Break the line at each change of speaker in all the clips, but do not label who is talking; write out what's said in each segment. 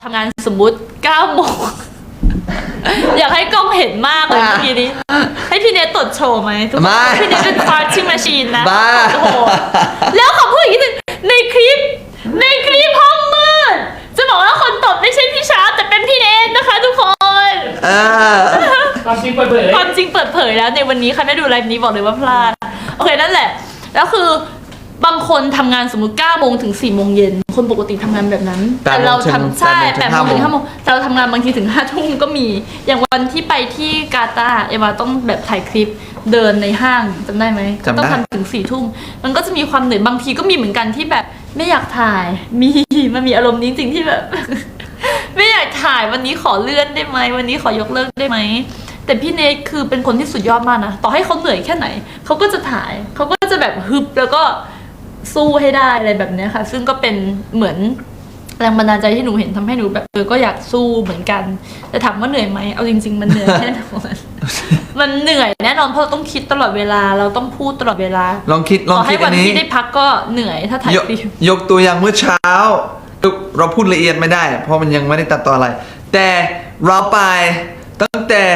ทำงานสมมุติ9 โมง อยากให้กล้องเห็นมากเลยเมื่อกี้นี้ให้พี่เนทตดโชว์ไหมทุกคนพี่เนทเป็น farting machine นะโอ้โหแล้วขอพูดอีกนิดนึงในคลิปห้องมืดจะบอกว่าคนตดไม่ใช่พี่ชาร์ปแต่เป็นพี่เนทนะคะทุกคน
ความจริงเปิดเผย
แล้วในวันนี้ใครไม่ดูไลฟ์นี้บอกเลยว่าพลาดโอเคนั่นแหละแล้วคือบางคนทำงานสมมุติ9 โมงถึง4 โมงเย็นคนปกติทำงานแบบนั้นแต่เราทำใช่8 โมงถึง5 โมงแต่เราทำงานบางทีถึง5 ทุ่มก็มีอย่างวันที่ไปที่กาตาร์เอวาต้องแบบถ่ายคลิปเดินในห้างจำได้ไหมต้องทำถึง4 ทุ่มมันก็จะมีความเหนื่อยบางทีก็มีเหมือนกันที่แบบไม่อยากถ่ายมันมีอารมณ์นี้จริงๆที่แบบ ไม่อยากถ่ายวันนี้ขอเลื่อนได้ไหมวันนี้ขอยกเลิกได้ไหมแต่พี่เนทคือเป็นคนที่สุดยอดมากนะต่อให้เขาเหนื่อยแค่ไหนเขาก็จะถ่ายเขาก็จะแบบฮึบแล้วก็สู้ให้ได้อะไรแบบนี้ค่ะซึ่งก็เป็นเหมือนแรงบันดาลใจที่หนูเห็นทำให้หนูแบบก็อยากสู้เหมือนกันแต่ถามว่าเหนื่อยไหมเอาจริงๆมันเหนื่อยแน่นอน มันเหนื่อยแน่นอนเพราะเราต้องคิดตลอดเวลาเราต้องพูดตลอดเวลา
ลองคิด
ให้วั
อันนี้
ที่ได้พักก็เหนื่อยถ้าถ่ายคลิป
ยกตัวอย่างเมื่อเช้าเราพูดละเอียดไม่ได้เพราะมันยังไม่ได้ตัดต่ออะไรแต่เราไปตั้งแต่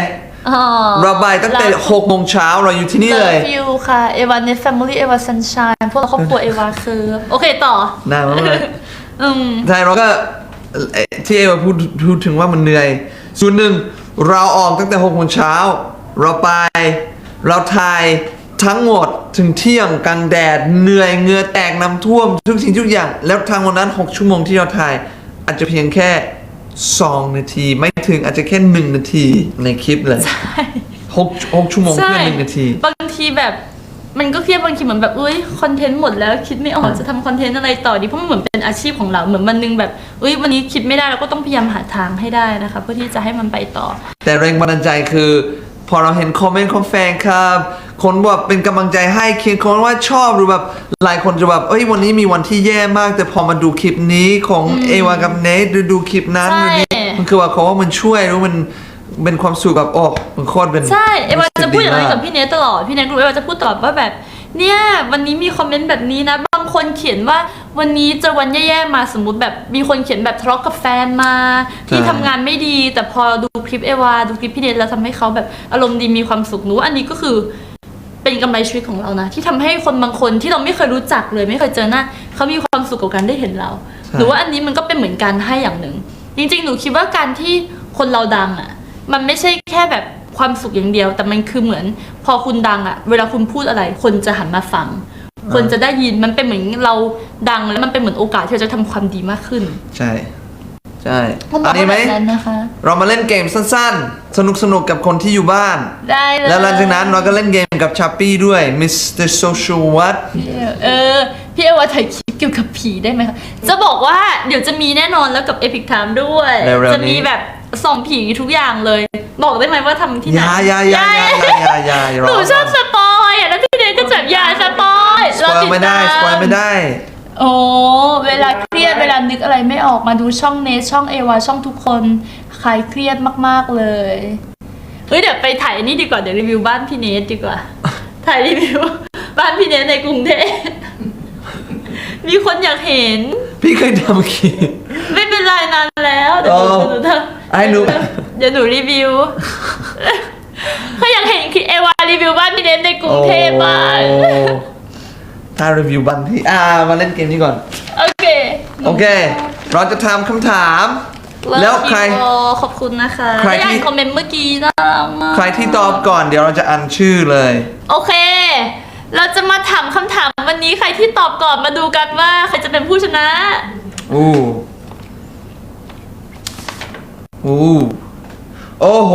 6 โมงเช้าเราอยู่ที่นี่เลย
ฟิวค่ะเอวาเนทแฟมิลี่เอวาซันชายพวกเราครอบครัวเอวาคือโอเคต่อ
ได้มากเลยใช่เราก็ที่เอวาพูดถึงว่ามันเหนื่อยส่วนหนึ่งเราออกตั้งแต่6 โมงเช้าเราไปเราถ่ายทั้งหมดถึงเที่ยงกลางแดดเหนื่อยเหงื่อแตกน้ำท่วมทุกสิ่งทุกอย่างแล้วทางวันนั้น6 ชั่วโมงที่เราถ่ายอาจจะเพียงแค่2 นาทีไม่ถึงอาจจะแค่1 นาทีในคลิปเลย6 ชั่วโมงเพื่อ1 นาที
บางทีแบบมันก็เครียดบางทีเหมือนแบบคอนเทนต์หมดแล้วคิดไม่ออกจะทำคอนเทนต์อะไรต่อดีเพราะมันเหมือนเป็นอาชีพของเราเหมือนวันนึงแบบวันนี้คิดไม่ได้เราก็ต้องพยายามหาทางให้ได้นะคะเพื่อที่จะให้มันไปต่อ
แต่แรงบันดาลใจคือพอเราเห็นคอมเมนต์ของแฟนครับคนแบบเป็นกำลังใจให้เขียนคอมเมนต์ว่าชอบหรือแบบหลายคนจะแบบวันนี้มีวันที่แย่มากแต่พอมาดูคลิปนี้ของเอวากับเนทดูคลิปนั้นมันคือว่าเขาว่ามันช่วยแล้วมันเป็นความสุขแบบมันโคตรเป็น
ใช่เอวาจะพูดอย่างนี้กับพี่เนทตลอดพี่เนทรู้เอวาจะพูดตลอดว่าแบบเนี่ยวันนี้มีคอมเมนต์แบบนี้นะบางคนเขียนว่าวันนี้เจอวันแย่ๆมาสมมุติแบบมีคนเขียนแบบทะเลาะกับแฟนมาที่ทำงานไม่ดีแต่พอดูคลิปเอวาดูคลิปพี่เนทแล้วทำให้เขาแบบอารมณ์ดีมีความสุขหนูอันนี้ก็คือเป็นกำไรชีวิตของเรานะที่ทำให้คนบางคนที่เราไม่เคยรู้จักเลยไม่เคยเจอหน้าเขามีความสุขกับการได้เห็นเราหรือว่าอันนี้มันก็เป็นเหมือนการให้อย่างหนึ่งจริงๆหนูคิดว่าการที่คนเราดังอ่ะมันไม่ใช่แค่แบบความสุขอย่างเดียวแต่มันคือเหมือนพอคุณดังอ่ะเวลาคุณพูดอะไรคนจะหันมาฟังคนจะได้ยินมันเป็นเหมือนเราดังแล้วมันเป็นเหมือนโอกาสที่เราจะทำความดีมากขึ้น
ใช่อันนี้ไหมเรามาเล่นเกมสั้นๆสนุกกับคนที่อยู่บ้าน
ได้เลย
แล้วหลังจากนั้นเราก็เล่นเกมกับชัปปี้ด้วย Mr. Social What
พี่เอวาถ่ายคลิปเกี่ยวกับผีได้ไหมคะจะบอกว่าเดี๋ยวจะมีแน่นอนแล้วกับ Epic Time ด้วยจะมีแบบส่องผีทุกอย่างเลยบอกได้ไหมว่าทำที่ไหนหนูชอบสปอยแล้วพี่เดนก็จับยาสปอย
สปอยไม่ได้
โอ้เวลาเครียดเวลานึกอะไรไม่ออกมาดูช่องเนทช่องเอวาช่องทุกคนคลายเครียดมากๆเลยเดี๋ยวไปถ่ายนี่ดีกว่าเดี๋ยวรีวิวบ้านพี่เนทดีกว่าถ่ายรีวิวบ้านพี่เนทในกรุงเทพมีคนอยากเห็น
พี่เคยทำคลิป
ไม่เป็นไรนานแล้วเดี๋ยวหนูรีวิวเขาอยากเห็นเอวารีวิวบ้านพี่เนทในกรุงเทพบ้าง
ถ้ารีวิวบ้านพี่มาเล่นเกมนี้ก่อน
โอเค
เราจะทำคำถามแล้วใคร
ขอบคุณนะคะใครที่คอมเมนต์เมื่อกี้นะ
ใครที่ตอบก่อนเดี๋ยวเราจะอ่านชื่อเลย
โอเคเราจะมาถามคำถามวันนี้ใครที่ตอบก่อนมาดูกันว่าใครจะเป็นผู้ชนะ
โอ้โห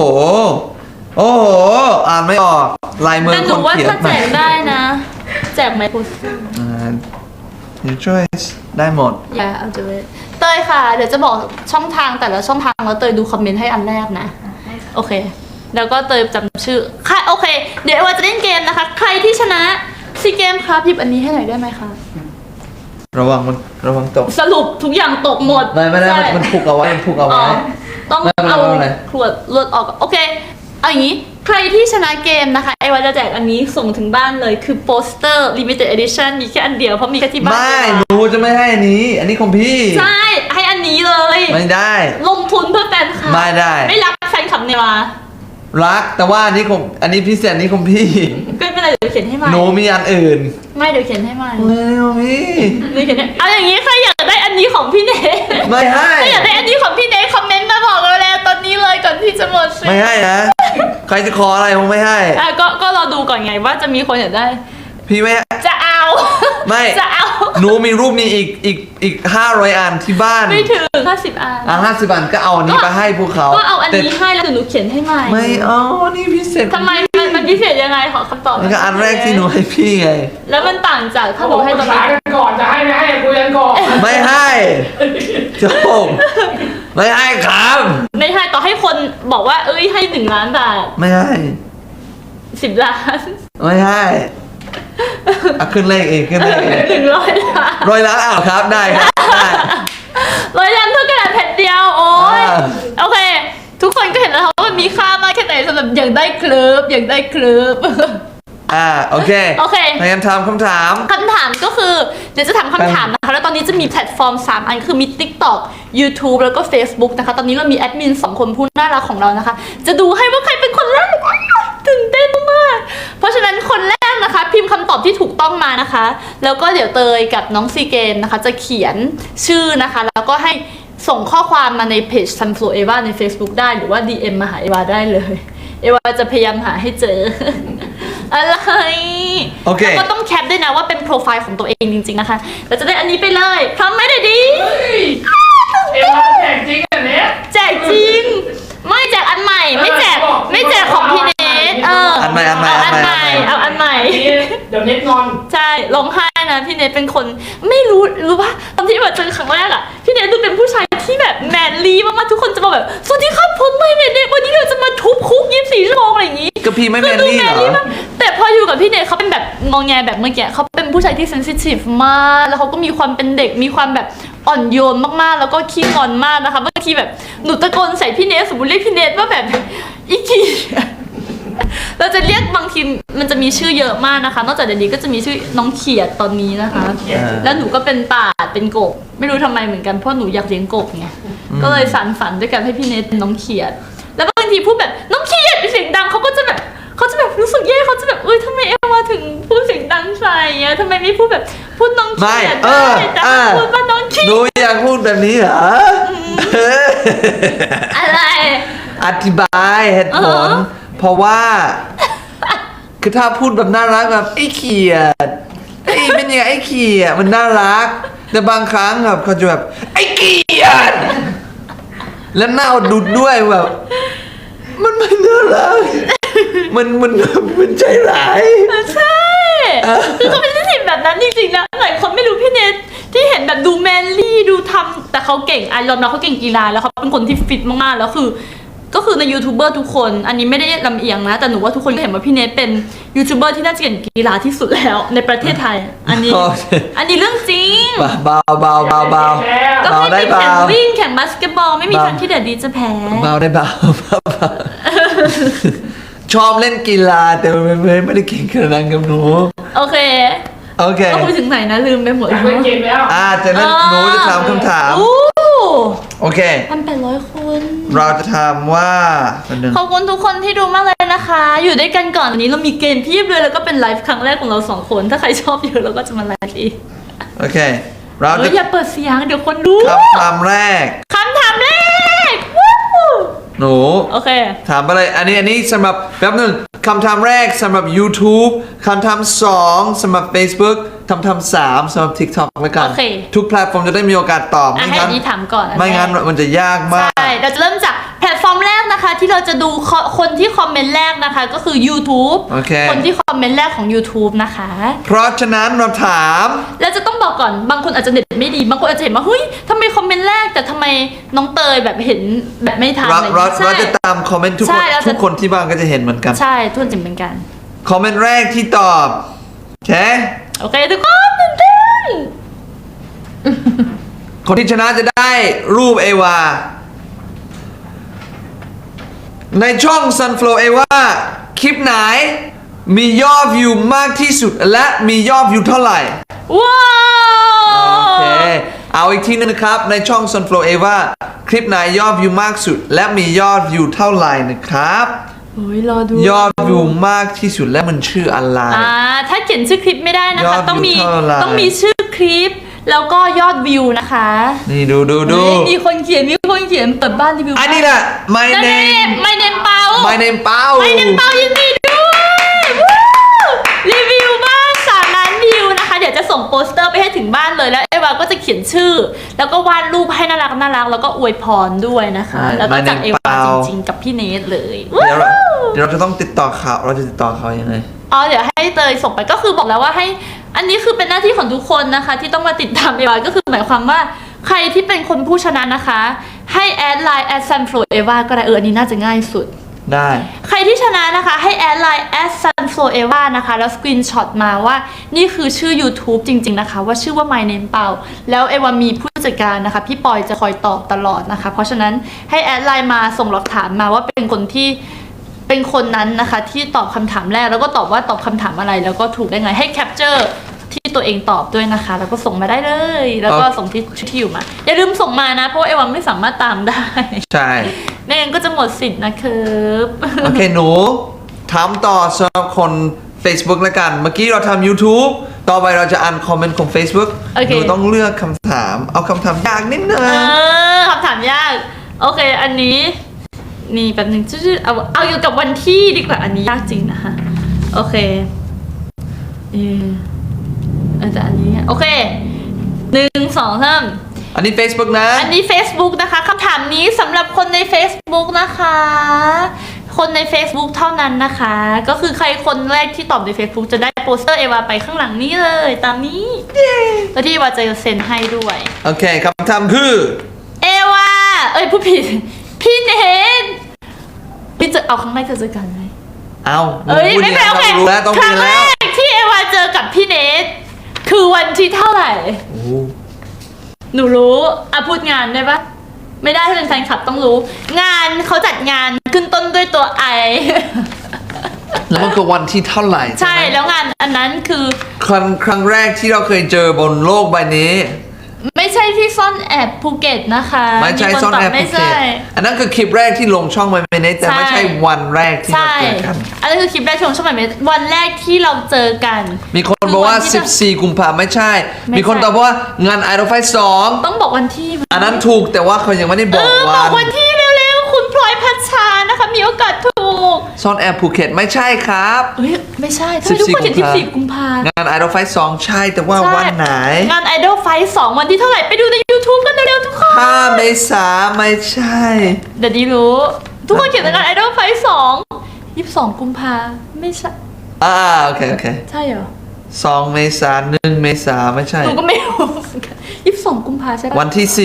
อ่านไม่ออกลายมือคนเขียนแต่หนูว่า
ถ้าแจกได้นะแจกไหมคุณ
Your choice ได้หมด
เอาจะเตยค่ะเดี๋ยวจะบอกช่องทางแต่ละช่องทางแล้วเตยดูคอมเมนต์ให้อันแรกนะโอเคแล้วก็เตยจำชื่อค่ะโอเคเดี๋ยวว่าจะเล่นเกมนะคะใครที่ชนะซีเกมครับหยิบอันนี้ให้หน่อยได้ไหมคะ
ระวังตก
สรุปทุกอย่างตกหมด
ไม่ได้มันผูกเอาไว้
ต้องเอาขวดเลือดออกโอเคเอาอย่างนี้ใครที่ชนะเกมนะคะไอวันจะแจกอันนี้ส่งถึงบ้านเลยคือโปสเตอร์ limited edition มีแค่อันเดียวเพราะมีแค่ที่บ้าน
ไม่หนูจะไม่ให้อันนี้ของพี่
ใช่ให้อันนี้เลย
ไม่ได้
ลงทุนเพื่อแฟนคลับ
ไม่ได้
ไม่รักแฟนคลับเนวา
รักแต่ว่าอันนี้พิเศษนี่ของพี่
ก็ไม่เป็นไรเดี๋ยวเขียนให้ใหม่
หนูมีอันอื่น
ไม่เดี๋ยวเขียนให้ใหม่
ไม่มี
เดี๋ยวเขียนให้เอาอย่างนี้ใครอยากได้อันนี้ของพี่เนท
ไม่ให้
ใครอยากได้อันนี้ของพี่เนทคอมเมนต์มาบอกเราแล้วตอนนี้เลยก่อนที่จะหมดสิ
ไม่ให้นะใครจะขออะไรผมไม่ให้
ก็รอดูก่อนไงว่าจะมีคนอยากได้
พี่ไม่ให้
จะเอา
ไม่
จะเอา
หนูมีรูปนี้อีก500 อันที่บ้าน
ไม่ถึง50 อัน
50 อันก็เอาอันนี้ไปให้พวกเขา
ก็เอาอัน
แต่
นี้ให้แล้วเดี๋ยวหนูเขียนให้ใหม่
ไม่เอานี่พิเศษ
ทำไมมันพิเศษยังไงขอคำตอบ
มันก็อันแรกที่หนูให้พี่ไง
แล้วมันต่างจากถ้า
เขา
ห
บ
นู
อก
ให้
ป
ต
รึ
อน
กษา
นั้น
กันก่อนจะให้ไม่ให้คุยกันก่อน
ไม่ให้จบไม่ให้ครับ
ไม่ให้ต่อให้คนบอกว่าเอ้ยให้1 ล้านบาท
ไม่ให้
10 ล้าน
ไม่ให้อ่ะขึ้นเลขเองขึ้นเลขเอง
100 ล้าน
100 ล้านอ้าวครับได้ครับได้
100 ล้านเท่ากระดาษแผ่นเดียวโอ้ย
อ่า
โอเค ทุกคนก็เห็นแล้วว่ามันมีค่ามากแค่ไหนสำหรับอยากได้เคลิบอยากได้เคลิบ
โอเค
โอเค
พยายามถามคำถาม
คำถามก็คือเดี๋ยวจะถามคำถามนะคะ แล้วตอนนี้จะมีแพลตฟอร์ม 3 อันคือมี TikTok YouTube แล้วก็ Facebook นะคะ ตอนนี้เรามีแอดมิน 2 คนผู้น่ารักของเรานะคะ จะดูให้ว่าใครเป็นคนแรกตื่นเต้นมากๆเพราะฉะนั้นคนแรกนะคะ พิมพ์คำตอบที่ถูกต้องมานะคะ แล้วก็เดี๋ยวเตยกับน้องซีเกมนะคะ จะเขียนชื่อนะคะ แล้วก็ให้ส่งข้อความมาในเพจ Sunflow Eva ใน Facebook ได้หรือว่า DM มาหาเอวาได้เลย เอวาจะพยายามหาให้เจอ อะไร
โอเค
แล้วก็ต้องแคปด้วยนะว่าเป็นโปรไฟล์ของตัวเองจริงๆนะคะเราจะได้อันนี้ไปเลยพร้อมไหมเด็ดดี
เอ็มมาแจกจริงอันเนี้ย
แจกจริง ไม่แจกอันใหม่ ไม่แจกของพี่เนท
อันใหม่
เอาอันใหม่เอาอันใหม่
อันนี้เดี๋ยวเน็ตงอน
ใช่ร้องไห้นะพี่เนทเป็นคนไม่รู้ป่ะตอนที่มาเจอครั้งแรกอะพี่เนทดูเป็นผู้ชายที่แบบแมนลี่มากๆทุกคนจะมาแบบสวัสดีครับผมไม่เนทวันนี้เราจะมาทุบคุก24 ชั่วโมงอะไรอย่างงี้
ก็พี่ไม่แมนลี่เหรอ
มากแต่พออยู่กับพี่เนทเขาเป็นแบบงอแงแบบเมื่อกี้เขาเป็นผู้ชายที่เซนซิทีฟมากแล้วเขาก็มีความเป็นเด็กมีความแบบอ่อนโยนมากๆแล้วก็ขี้งอนมากนะคะบางทีแบบหนูตะโกนใส่พี่เนทสมมติเรียกพี่เนทว่าแบบอีกทีเราจะเรียกบางทีมันจะมีชื่อเยอะมากนะคะนอกจากเดี๋ยวนี้ก็จะมีชื่อน้องเขียดตอนนี้นะคะ แล้วหนูก็เป็นป่าเป็นกบไม่รู้ทำไมเหมือนกันเพราะหนูอยากเลี้ยงกบไงก็เลยสานฝันด้วยกันให้พี่เนทเป็นน้องเขียดแล้วบางทีพูดแบบน้องเขียดเป็นเสียงดังเขาจะแบบรู้สึกแย่เขาจะแบบทำไมเอวมาถึงพูดเสียงดังใส่อะทำไมไม่พูดแบบพูดน้องเขียดได้แต่พูดว่าน้องเขีย
หนู
ด
อยากพูดแบบนี้เหรอ
อะไร
อธิบายเหตุผล เพราะว่า คือถ้าพูดแบบน่ารักแบบไอ้เขียดไอ้เป็นยังไงไอ้เขียดมันน่ารัก แต่บางครั้งแบบเขาจะแบบไอ้เขียดแล้วหน้าดุดด้วยแบบ มันไม่น่ารักมันใจร้าย
ใช่คือเขาเป็นที่แบบนั้นจริงๆนะหลายคนไม่รู้พี่เนทที่เห็นแบบดูแมนลี่ดูทำแต่เขาเก่งยอมรับเขาเก่งกีฬาแล้วเขาเป็นคนที่ฟิตมากๆแล้วก็คือในยูทูบเบอร์ทุกคนอันนี้ไม่ได้ลำเอียงนะแต่หนูว่าทุกคนก็เห็นว่าพี่เนทเป็นยูทูบเบอร์ที่น่าจะเก่งกีฬาที่สุดแล้วในประเทศไทยอันนี้เรื่องจริง
เบา
ก็
เบา
ไม่
ได้
มี
เบา
แข่งวิ่งแข่งบาสเกตบอลไม่มีทางที่เดดดีจะแพ้
เบาได้เบาชอบเล่นกีฬาแต่ไม่ได้เก่งขนาดนั้นกับหนู
โอเค ก็คุยถึงไหนนะลืมไปหมด
อยากเล่นเกมแล้ว
จะเล่นหนูจะถามคำถาม โอเค
1,800 คน
เราจะถามว่า
ขอบคุณทุกคนที่ดูมากเลยนะคะ อยู่ด้วยกันก่อนวันนี้เรามีเกมเพียบเลยแล้วก็เป็นไลฟ์ครั้งแรกของเรา2 คนถ้าใครชอบเยอะเราก็จะมาไลฟ์อีก
โอเค เราจะ
อย่าเปิดเสียงเดี๋ยวคนดู
คำถามแรก
คำถามแรกวู้
หนู
โอเค
ถามไปเลยอันนี้สำหรับแป๊บหนึ่งคำถามแรกสำหรับ YouTube คำถาม2สำหรับ Facebook คำถาม3สำหรับ TikTok แล้วกัน
โอเค
ทุกแพลตฟอร์มจะได้มีโอกาสตอบ
ให้
ไม่งั้น
นี้ถามก่อน
ไม่งั้นมันจะยากมาก
ใช่เราจะเริ่มจากแพลตฟอร์มแรกนะคะที่เราจะดูคนที่คอมเมนต์แรกนะคะก็คือ YouTube
โอเค
คนที่คอมเมนต์แรกของ YouTube นะคะ
เพราะฉะนั้นเราถาม
แล้วจะต้องบอกก่อนบางคนอาจจะเน็ตไม่ดีบางคนอาจจะเห็นว่าเฮ้ยทำไมคอมเมนต์แรกแต่ทำไมน้องเตยแบบเห็นแบบไม่ทันอะไรอย่าง
เรา
เงี้ยใช่
จะตามคอมเมนต์ทุก
ใช่
คน
เราจะ
ทุกคนที่บ้านก็จะเห็นเหมือนกัน
ใช่ทุกคนจะเหมือนกัน
คอมเมนต์แรกที่ตอบโอเค
โอเคทุกคนตื่นเต้น
คนที่ชนะจะได้รูปเอวา ในช่อง Sunflow เอวาคลิปไหนมียอดวิวมากที่สุดและมียอดวิวเท่าไหร่
ว้าว
โอเคเอาอีกทีนึงนะครับ ในช่อง Sunflow Eva คลิปไหนยอดวิวมากสุด และมียอดวิวเท่าไหร่นะครับ
โอ้ยรอดู
ยอดวิวมากที่สุดและมันชื่ออะไร
ถ้าเขียนชื่อคลิปไม่ได้นะ
ยอ
คะ
ดวิว
ต้องมี
เท่าไหร่
ชื่อคลิป แล้วก็ยอดวิวนะคะ
นี่ดู
เฮ้ยมีคนเขียนเปิดบ้านรีวิว
อันนี้แหละ My
นั่นเอง
name
My name เปา
My name เปา
My name เปายินดีด้วยวู้รีวิวบ้าน3 ล้านวิวนะคะ เดี๋ยวจะส่งโปสเตอร์ไปให้ถึงบ้านเลยแล้วเอวาก็จะเขียนชื่อ แล้วก็วาดรูปให้น่ารักแล้วก็อวยพรด้วยนะคะ แล้วก็จากเอวาจริงๆกับพี่เนทเลย
เดี๋ยวเราจะต้องติดต่อเขาเราจะติดต่อเขายังไง
เดี๋ยวให้เตยส่งไปก็คือบอกแล้วว่าให้อันนี้คือเป็นหน้าที่ของทุกคนนะคะ ที่ต้องมาติดตามเอวาก็คือหมายความว่าใครที่เป็นคนผู้ชนะนะคะ ให้แอดไลน์ @sunflow eva ก็ได้อันนี้น่าจะง่ายสุด
ได้
ใครที่ชนะนะคะให้แอดไลน์ @sunflow eva นะคะแล้วสกรีนช็อตมาว่านี่คือชื่อ YouTube จริงๆนะคะว่าชื่อว่า My Name เปาแล้วเอวามีผู้จัดการนะคะพี่ปอยจะคอยตอบตลอดนะคะเพราะฉะนั้นให้แอดไลน์มาส่งหลักฐานมาว่าเป็นคนที่เป็นคนนั้นนะคะที่ตอบคำถามแรกแล้วก็ตอบว่าตอบคำถามอะไรแล้วก็ถูกได้ไงให้แคปเจอร์ที่ตัวเองตอบด้วยนะคะแล้วก็ส่งมาได้เลยแล้วก็ส่งที่อยู่มาอย่าลืมส่งมานะเพราะว่าเอวาไม่สามารถตามได้
ใช่
ไม่งั้นก็จะหมดสิทธิ์นะครับ
โอเคหนูถามต่อสำหรับคน Facebook แล้วกัน เมื่อกี้เราทำ YouTube ต่อไปเราจะอ่านคอมเมนต์ของ Facebook หนูต้องเลือกคำถามเอาคำถามยากนิดนึง
คำถามยากโอเคอันนี้นี่แป๊บนึงชื่อเอาอยู่กับวันที่ดีกว่าอันนี้ยากจริงนะคะโอเคแต่อันนี้โอเค1 2 3
อันนี้ Facebook นะ
อันนี้ Facebook นะคะคำถามนี้สำหรับคนใน Facebook นะคะ คนใน Facebook เท่านั้นนะคะ ก็คือใครคนแรกที่ตอบใน Facebook จะได้โปสเตอร์เอวาไปข้างหลังนี้เลยตามนี้แล้วที่เอวาจะเซ็นให้ด้วย
โอเคคำถามคือ
เอวาพูดผิดพี่เนทพี่จะเอาครั้งแรกเจอกันไหม
เอาพูด
ไม่
ดี
เป็น
นะ
โอเค
รู้แล้วต้อง
ค
มี
รั้งแร
แล้ว
กที่เอวาเจอกับพี่เนทคือวันที่เท่าไหร่
โอ้
หนูรู้พูดงานได้ปะไม่ได้ถ้าเป็นแฟนคลับต้องรู้ งานเขาจัดงานขึ้นต้นด้วยตัวไอ
แล้วมันคือวันที่เท่าไหร่
ใช่
ไหม
แล้วงานอันนั้นคือ
ครั้งแรกที่เราเคยเจอบนโลกใบนี้
ไม่ใช่ที่ซ่อนแอบภูเก็ตนะคะ
ไม่ใช่
ค
ซ่อนแอบ
ไม่
ภูเก็
ใช่
ตอันนั้นคือคลิปแรกที่ลงช่องไมเมเนตแต่ไม่ใช่วันแรกที่เรา
ใช่
เจอกัน
อันนั้นคือคลิปแรกชมช่องใหม่วันแรกที่เราเจอกัน
มีคนบอกว่า
คือวันที่
14 กุมภาพันธ์ไม่ใช่
ไม่ใช่
มีคนตอบว่างาน Idol Fight 2
ต้องบอกวันที่มั้ย
อันนั้นถูกแต่ว่าเขายังไม่ได้บอก
บ
วั
อก
น
วันที่เร็วๆคุณพลอยพัชชานะคะมีโอกาสถูก
ซ่อนแอบภูเก็ตไม่ใช่ครับ
ไม่ใช่ทำไมทุกคนเขียน14 กุมภา
งาน Idol Fight 2 ใช่แต่ว่า
ใช่
วันไหน
งาน Idol Fight 2 วันที่เท่าไหร่ไปดูใน YouTube กันเร็วๆทุกคน
5 เมษาไม่ใช่
เดี๋ยวดีรู้ ทุกคนเขียนงาน Idol Fight 2 22 กุมภาไม่ใช่
โอเค
ใช่เหรอ
2 เมษา1 เมษาไม่ใช่
หนูก็ไม่รู้22 กุมภาใช่ปะ
วันที่
ใช่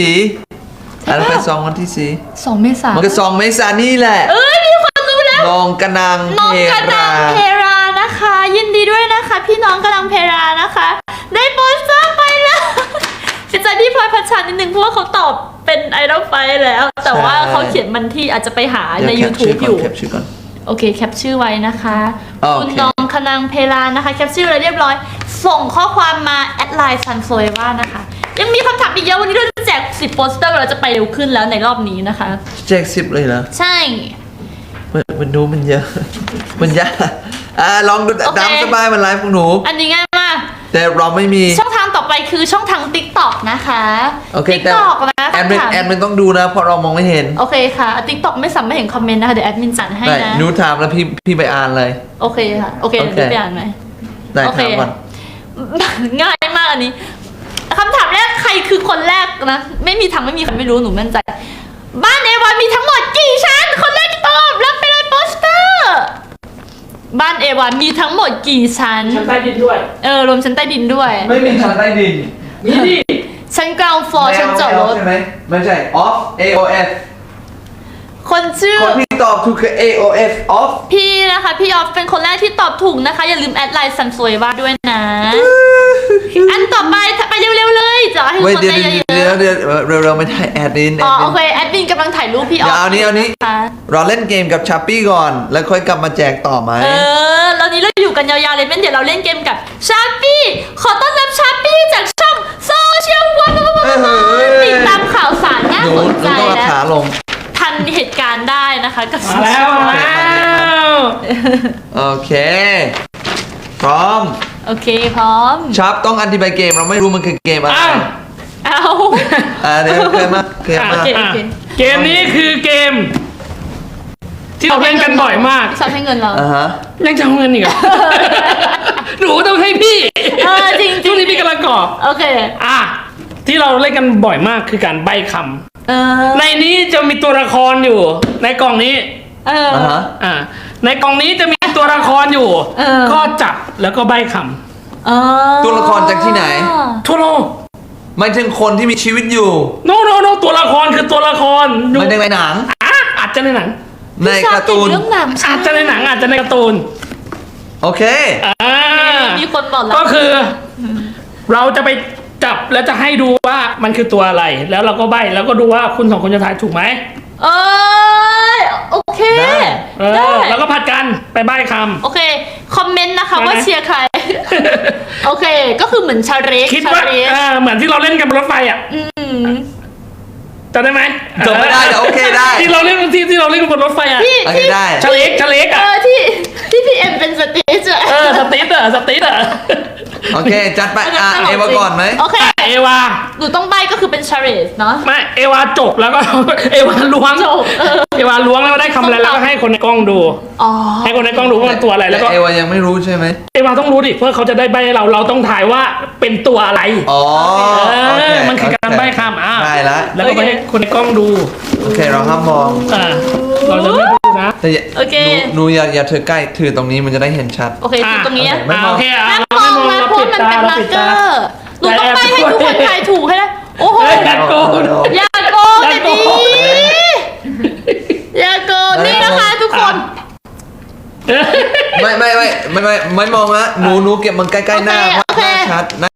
4 Idol
ปะ
Fight 2 วันที่
2 เมษา
4 มันก็ 2 เมษานี่แหละ
มีคนรู้แล้ว
น้องกระนัง
น้อง
เพ
กระดั
ราง
เพรานะคะ ยินดีด้วยนะคะ พี่น้องกระดังเพรานะคะ ได้โปสเตอร์ไปแล้วเสียใจที่พลอยพัชชานิดนึงเพราะว่าเขาตอบเป็นไอดอลไฟแล้ว แต่ว่าเขาเขียนมันที่อาจจะไปหาใน
เดี๋ยวแคปชื่
YouTube อยู่
แคปชื่อก่อน
โอเคแคปชื่อไว้นะคะ
โอเค
คุณน้องคนังเพลานะคะแคปชื่ออะไรเรียบร้อย ส่งข้อความมาแอดไลน์ซันโซเอว่านะคะ ยังมีคำถามอีกเยอะวันนี้เราจะแจก10 โปสเตอร์เราจะไปเร็วขึ้นแล้วในรอบนี้นะคะ
แจก10เลยเหรอ
ใช่
มันดูมันเยอะ มันยากลองดู
โอเค
ตามสบายมันไลฟ์ของหนู
อันนี้ง่ายมาก
แต่เราไม่มี
ช่องทางต่อไปคือช่องทาง TikTok นะคะ
โอเคแต่
TikTok นะ
แอดมินต้องดูนะ เพราะเรามองไม่เห็น
โอเคค่ะ TikTok ไม่สามารถเห็นคอมเมนต์นะคะ เดี๋ยวแอดมินจัดให้
ได้
นะ
หนูถามแล้วพี่ไปอ่านเลย
โอเคค่ะ โอเค
โอเค
เดี๋ยวไปอ่านไหม
ได้
โอเค
ถามก่อน
ง่ายมากอันนี้คำถามแรกใครคือคนแรกนะ ไม่มีทางไม่มีใครไม่รู้หนูมั่นใจ บ้านเอวามีทั้งหมดกี่ชั้น คนแรกตอบรับไปเลยโปสเตอร์ บ้านเอวามีทั้งหมดกี่ชั้น
ชั้นใต้ดินด้วย
รวมชั้นใต้ดินด้วย
ไม่มีชั้นใต้ดิน
มีดิ
ชั้นกราวด์ฟลอร์ชั้นจอดรถ
ใช่ไหมไม่ใช่ off AOF
คนชื่อ
คนที่ตอบถูกคือ AOF off
พี่นะคะ พี่ออฟเป็นคนแรกที่ตอบถูกนะคะ อย่าลืมแอดไลน์ซันสวยว่าด้วยนะ อันต่อไปไปเร็วๆเลยจะให้ทุก
เว้ย
คน
เดี๋ยว
ได้เย
เดี๋ยว
อะ
เดี๋ยวเร็วๆไม่ได้แอดมิน
ๆอ๋อโอเคแอดมินกำลังถ่ายรูปพี่ออฟ
เดี๋ยวเอานี้
ค่ะ
เราเล่นเกมกับชัปปี้ก่อน แล้วค่อยกลับมาแจกต่อไหม
แล้วนี้เราอยู่กันยาวๆเลยเป็นเดี๋ยวเราเล่นเกมกับชาปี้ขอต้อนรับชาปี้จากช่องโซเชียลวันติดตามข่าวสารน่า
หนู
สนใจ
ต้องเอา
และ
ขาลง
ทันเหตุการณ์ได้นะคะกับ
มาแล้วมาแล้ว
โอเค พร้อม
โอเคพร้อม
ชับต้องอธิบายเกมเราไม่รู้มันคือเกมอะไร
อ้าว
เอา
เดี๋ยวเคยมาเคยมา
โอเค
อ่ะเกมนี้คือเกม ที่เราเล่นกันบ่อยมาก
ชอบให้เงินเรา
ฮะ
ยังจะเอาเงินอีกเหรอ หนูต้องให้พี่
จริง
ช่วงนี้พี่กำลังกรอก
โอเค
อ่ะที่เราเล่นกันบ่อยมากคือการใบ้ค
เ
ำในนี้จะมีตัวละครอยู่ ในกล่องนี้
เออ
อ่าฮะ
อ่าในกล่องนี้จะมีตัวละครอยู่
เออ
ก็จับแล้วก็ใบ้ค
เออ
ตัวละครจากที่ไหน
ำทั่วโลก
หมายถึงคนที่มีชีวิตอยู่
โนตัวละครคือตัวละครดู
ไม่ได้ในหนัง
อ่ะอาจจะในหนัง
ในการ์ตูน
เรื่องหนัง
อาจจะในหนังอาจจะในการ์ตูน
โอเค
อ่า
มีคนบอกแล้ว
ก็คือ เราจะไปจับแล้วจะให้ดูว่ามันคือตัวอะไร แล้วเราก็ใบ้แล้วก็ดูว่าคุณสองคนจะทายถูกไหม
เออโอเค
ได้
ได้
แล้วก็ผัดกันไปใบ้ค
โอเค คอมเมนต์นะคะ
ได้ไหม
ว่าเชียร์ใคร โอเค ก็คือเหมือนชาเรก
ำคิด
ชา
ว่า
เรก
เหมือนที่เราเล่นกันบนรถไฟอ่ะ
อืม
จำได้ไหม
จำไม่ได้แต่โอเคได้
ที่เราเล่นที่เราเล่นกันบนรถไฟอ่ะ
ที่
โอเค
ที่
ได้
ชะเล็ก
เอ
อ่ะ
อที่พี่เอ็มเป็นสเตจอะ
สติ๊ดอ่ะ
โอเค จัดไปเอวาก่อนไหม
โอเค
เอวา
หนูต้องใบก็คือเป็นชาเรสเนาะ
ไม่เอวาจบแล้วก็ เอวาล้วง
จบเออ
เอวาล้วงแล้วก็ได้คำอะไรแล้วก็ให้คนในกล้องดู
อ๋อ
ให้คนในกล้องดูว่ามันตัวอะไรแล้วก็
เอวายังไม่รู้ใช่ไหม
เอวาต้องรู้ดิเพื่อเขาจะได้ใบให้เราต้องถ่ายว่าเป็นตัวอะไร
อ๋อโอเค
มันคือการใบ้คำ
ได้ละ
แล้วก็ไปให้คนในกล้องดู
โอเคเราห้ามมอง
เราจะไม่พูดนะ
แต่อย่า
โอเค
หนูอย่าถือใกล้ถือตรงนี้มันจะได้เห็นชัด
โอเคคือตรงนี้อะ
ไม่มอง
โอเค
ห้ามมองนะเพราะมันเป็นมาร์เกอร์หนูต้องใบให้ทุกคนทายถูกให้ได้โอ้โห
อย่าโกง
อย่าโกงแต่ดีอย่าโกงนี่นะคะทุกคน
ไม่มองนะหนูเก็บมันใกล้ๆหน้าเพราะหน้าชัด